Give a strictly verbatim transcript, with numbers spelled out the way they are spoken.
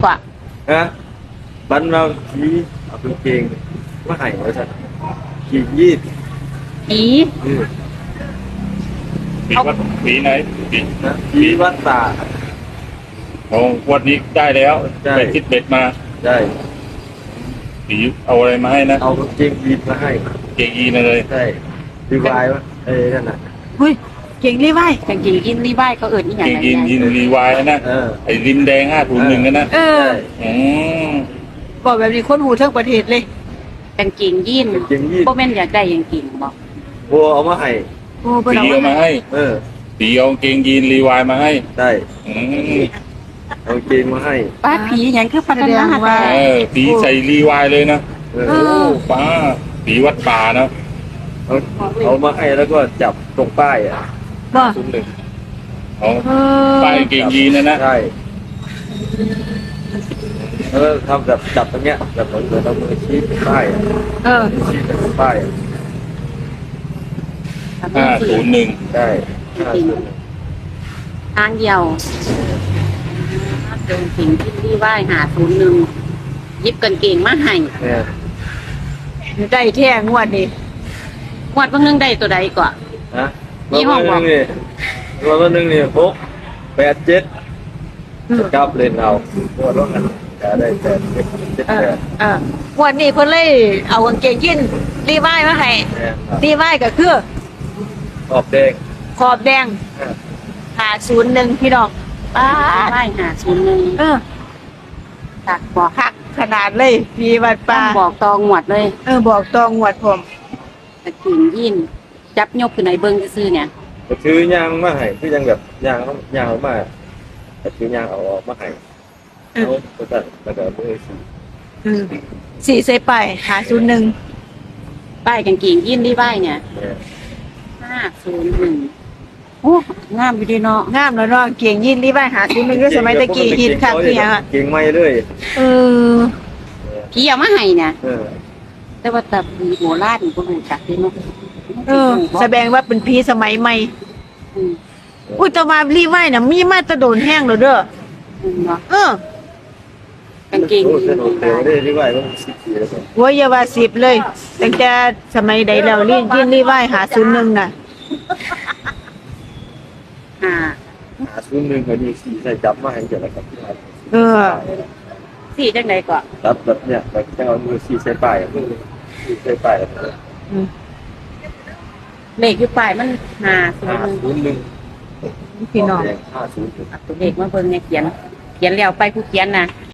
กว่าฮะบันเราขี่เอาเป็นเกงมาให้ไว้ซะขี่ยีดอีอือปีวัดปีไหนปีนะขี่วัดตาโอ้วันนี้ได้แล้วได้ไปคิดเบ็ดมาได้ปีเอาอะไรมาให้นะเอากางเกงยีนมาให้เกงยีนเลยใช่ดีวายวะเอ้ยนั่นน่ะเฮ้ยเก่งรีไว้กางเกงยีนรีไว้เขาเอิ้นอีหยังเกงไงยีนยีนรีวายนะเออไอ้ริมแดงห้าถุงหนึ่งนะนะเออใช่อืมบอกแบบนี้คนหูทั้งประเทศเลยกางเกงยีนกางเกงยีนบ่แม่นอยากได้กางเกงบ่บัวเอามาให้โอ้บ่ปีได้เอามาให้เออปีเอาเกงยีนรีวายมาให้ได้อืมเอากางเกงมาให้ป้าผีหยังคือพัฒนาแต่เออปีใส่รีวายเลยนะเอโอ้อป้าปีวัดป่านะเอาเอามาให้แล้วก็จับตรงป้ายอ่ะบ่ซุ้มหนึ่งเอาเออป้ายเกงยีนนะนะใช่แล้วก็ทำแบบจับตรงเนี้ยแบบเหมือนเหมือนเอามือชี้ป้ายอะเออชี้เป็นป้ายอะห้าศูนย์หนึ่งได้ห้าศูนย์ทางเดียวเดินสิงที่รีไว้หาศูนย์หนึ่งหยิบกางเกงมาให้เนี่ยได้แท้งวดนี้งวดเบิ่งนึงได้ตัวใดก่อนฮะยี่ห้อบอกวันนึงนี่วันนึงนี่หกแปดเจ็ดอืมกลับเล่นเอางวดว่ากันจะได้แปดเจ็ดเจ็ดเอแปอดเอองวดนี้เพิ่นเลยเอากางเกงยีนรีไว้มาให้เนี่ยครับรีไว้ก็คือขอบแดงขอบแดงอ่ะหาศูนย์หนึ่งพี่น้องป้ารีไว้หาศูนย์หนึ่งเออตักบอกคักขนาดเลยมีวัดต้ป่าองบอกตองหวดเลยเออบอกตองงวดผมกางเกงยีนจับยกขึ้นในเบิ่งซื่อๆเนี่ยก็ถือยางมาให้คือยังแบบยางต้องยางออกมาก็ถือยางเอาออกมาให้เอาก็ตัดแล้วก็มือสีอืมสี่ใส่ไปหาศูนย์หนึ่งป้ายกางเกงยีนรีไว้เนี่ยเนี่ยห้าศูนย์หนึ่งโอ้งามอยู่ดีเนาะงามแล้วเนาะเก่งยีนรีไว้หาศูนย์หนึ่งก็สมัยตะกี้ฮิตคักคือหยังอะเก่งไม่เลยเออพี่เอามาให้เนี่ยเออแต่ว่าแต่ปีโบราณก็รู้จักเด้เนาะเออแสดงว่าเป็นพีสมัยใหม่อืมอุ้ยแตมารีไว้น่ะมีมาแตะโดนแห้งแล้วเด้ออืมเนาะเออกางเกงโอ้ยีสนนุกเดี๋ยวได้ที่ไหวต้องสิบปีแล้วก็โว้ยอย่าว่าสิบเลยตั้งแต่สมัยใดแล้วรียินรีไว้หาศูนย์หนึ่งน่ะอ่าหาซุ้มหนึ่งก็ดีสีใส่จับมาให้เกิดอะไรกับที่ไหนเออสี่จังไดก่อนจับแบบเนี้ยแบบจะเอามือสีใส่ป้ายมือสีใส่ป้ายแล้วก็อืมเลขอยู่ปลายมันห้าศูนห้าย์หนึ่งศูนย์หนึ่งพี่น้องห้าศูนย์หนึ่งเอาตัวเลขมาเบิ่งเนี่ยเขียน เขียนแล้วไปผู้เขียนน่ะ